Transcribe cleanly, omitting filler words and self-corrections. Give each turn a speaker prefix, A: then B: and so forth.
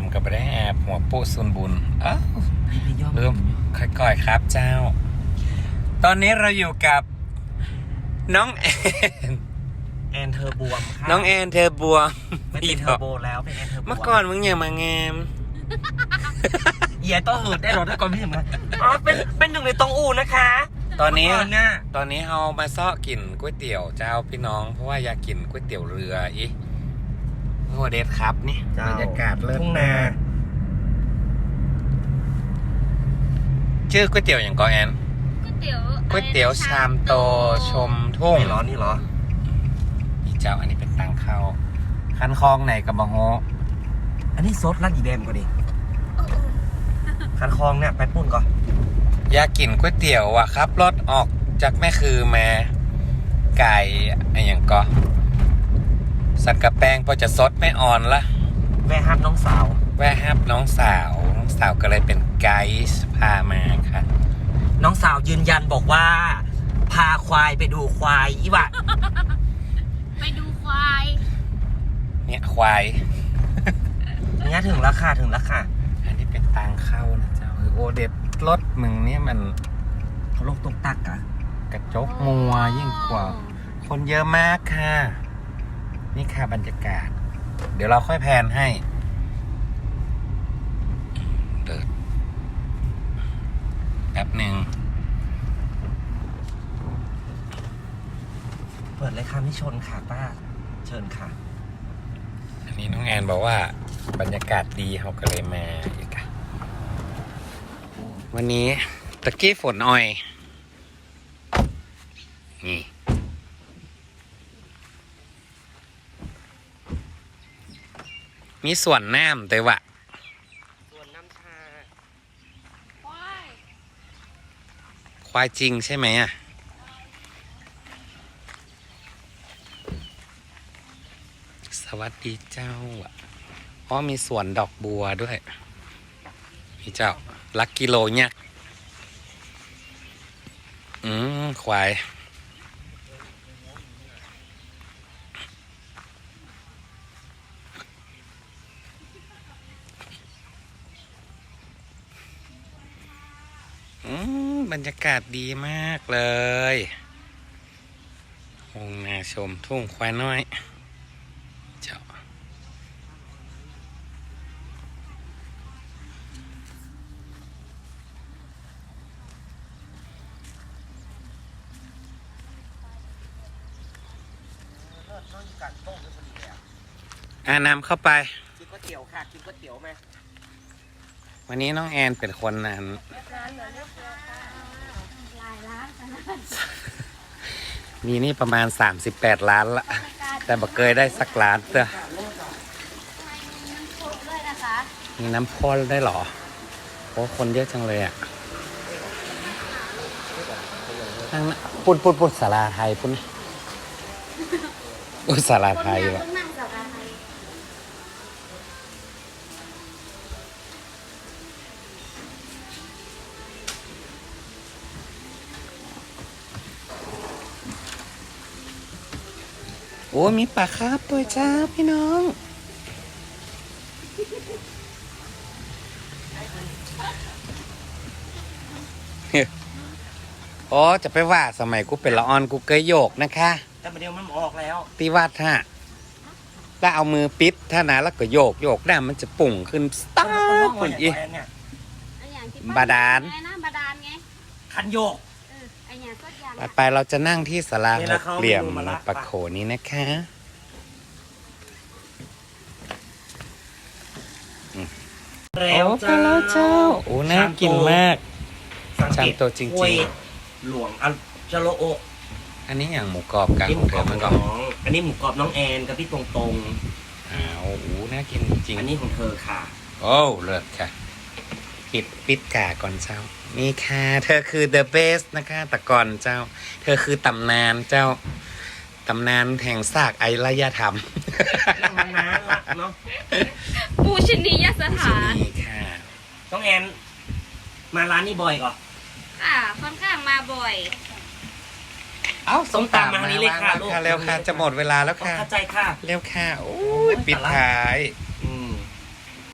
A: ำกับไปได้แอบหัวปุ๊ซุนบุญเริ่มค่อยๆครับเจ้า ตอนนี้เราอยู่กับน้อง
B: แอนเธอบวมค่ะ
A: น้องแอนเธอบัว
B: ไม่เป็นเทอร์โบแล้วเป็นแอนเธอบวม
A: เมื่อก่อนมึงอย่ามางาม
B: เอียต้องหืดได้รถได้ก่อนพี่เห็นไหมอ๋อเป็นหนึ่งในตองอูนะคะ
A: ตอนนี้
B: เนี่ย
A: ตอนนี้เรามาซ้อกินก๋วยเตี๋ยวเจ้าพี่น้องเพราะว่าอยากกินก๋วยเตี๋ยวเรืออีโอ้เด็ดครับนี่บรรยากาศเลิศ
B: ทุ่งนา
A: ชื่อก๋วยเตี๋ยวอย่างกอแอน ก๋วยเตี๋ยวชามโตชมทุ่ง
B: ไม่ร้อนนี่เหรอ
A: อีเจ้าอันนี้เป็นตังเข้าคันคลองไหนกับบะโฮ
B: อันนี้ซดรัดอีแบมก็ดิคันคลองเนี่ยไปปุ่นก่อน
A: อยากกินก๋วยเตี๋ยวอ่ะครับรถออกจากแม่คือมาไก่อะไรอย่างก็สักกะแปงพอจะซดไม่อ่อนละ
B: แม่ฮับน้องสาว
A: แวะฮับน้องสาวก็เลยเป็นไกด์พามาค่ะ
B: น้องสาวยืนยันบอกว่า พาควายไปดูควายอีวะ
C: ไปดูควาย
A: เนี่ยควาย
B: เนี่ยถึงราคา
A: อันนี้เป็นตังเข้านะเจ้าโอเด็ดรถมึงเนี่ยมัน
B: เขาลงตกตักอะ
A: กระจกมัวยิ่งกว่า คนเยอะมากค่ะ นี่ค่ะบรรยากาศ เดี๋ยวเราค่อยแพนให้เดิดแป๊บหนึ่ง
B: เปิดเลยค่ะไม่ชนค่ะป้าเชิญค่ะ
A: อันนี้น้องแอนบอกว่าบรรยากาศดีเขาก็เลยมาอีกค่ะวันนี้ตะกี้ฝนอ่อย นี่ มีส่วนน้ำแต่ว่า
B: ส่วนน้ำชา
A: ควายจริงใช่ไหมอ่ะ สวัสดีเจ้าอ่ะอ๋อมีสวนดอกบัวด้วยพี่เจ้าลักกิโลเนี่ยควายบรรยากาศดีมากเลยโองนาชมทุ่งควายน้อยเจ้านำเข้าไป
B: กินก๋วยเตี๋ยวค่ะกินก๋วยเตี๋ยวไหม
A: วันนี้น้องแอนเป็นคนนั้นมีนี่ประมาณ38 ล้านละแต่บ่เคยได้สักล้านเต้อมีน้ำพ่นได้หรอโอ้คนเยอะจังเลยอ่ะนั่งปุ้นศาลาไทยปุ้นศาลาไทยวะโอ้มีปลาคาร์ฟด้วยจ้าพี่น้องอ๋อจะไปว่าสมัยกูเป็นละออนกูเคยโยกนะคะ
B: แต่ประเดี๋ยวมันออกแล้ว
A: ตีวัดฮะแล้วเอามือปิดท่านะแล้วก็โยกได้มันจะปุ่งขึ้นสตาร์ทคนอีบาดาล
C: บาดาลไง
B: คันโยก
C: ไอเนี่ยก็ยาง
A: ไปเราจะนั่งที่ศาลาหกเหลี่ยมปะโขนี้นะคะ
B: แล้วเจ้า
A: โอ้น่ากินมาก
B: สังเกต
A: ชามโตจริงๆ
B: ห้วยหลวงอัลจโลโอ
A: อันนี้อย่างหมูกรอบกันของเธอมันก่อน
B: อันนี้หมูกรอบน้องแอนกับพี่ตรง
A: อ้าวโอ้น่ากินจริง
B: ๆอันนี้ของเธอค่ะ
A: โอ้เลิศค่ะปิดกาก่อนเจ้านี่ค่ะเธอคือ the best นะคะแต่ก่อนเจ้า เธอคือตำนานเจ้าตำนานแห่งซากไอรยธรรม
B: นั่งนานๆเนาะ
C: ปูชนียสถาน
A: นี่ค่ะ
B: น้องแอนมาร้านนี้บ่อยก่อน
C: ค่อนข้างมาบ่อย
A: เอ้า
B: ส้มตำมาทางนี้เลยค่ะลูก
A: เร็วค่ะจะหมดเวลาแล้วค่ะ
B: เข้าใจค่ะ
A: เร็วค่ะโอ้ยปิดท้าย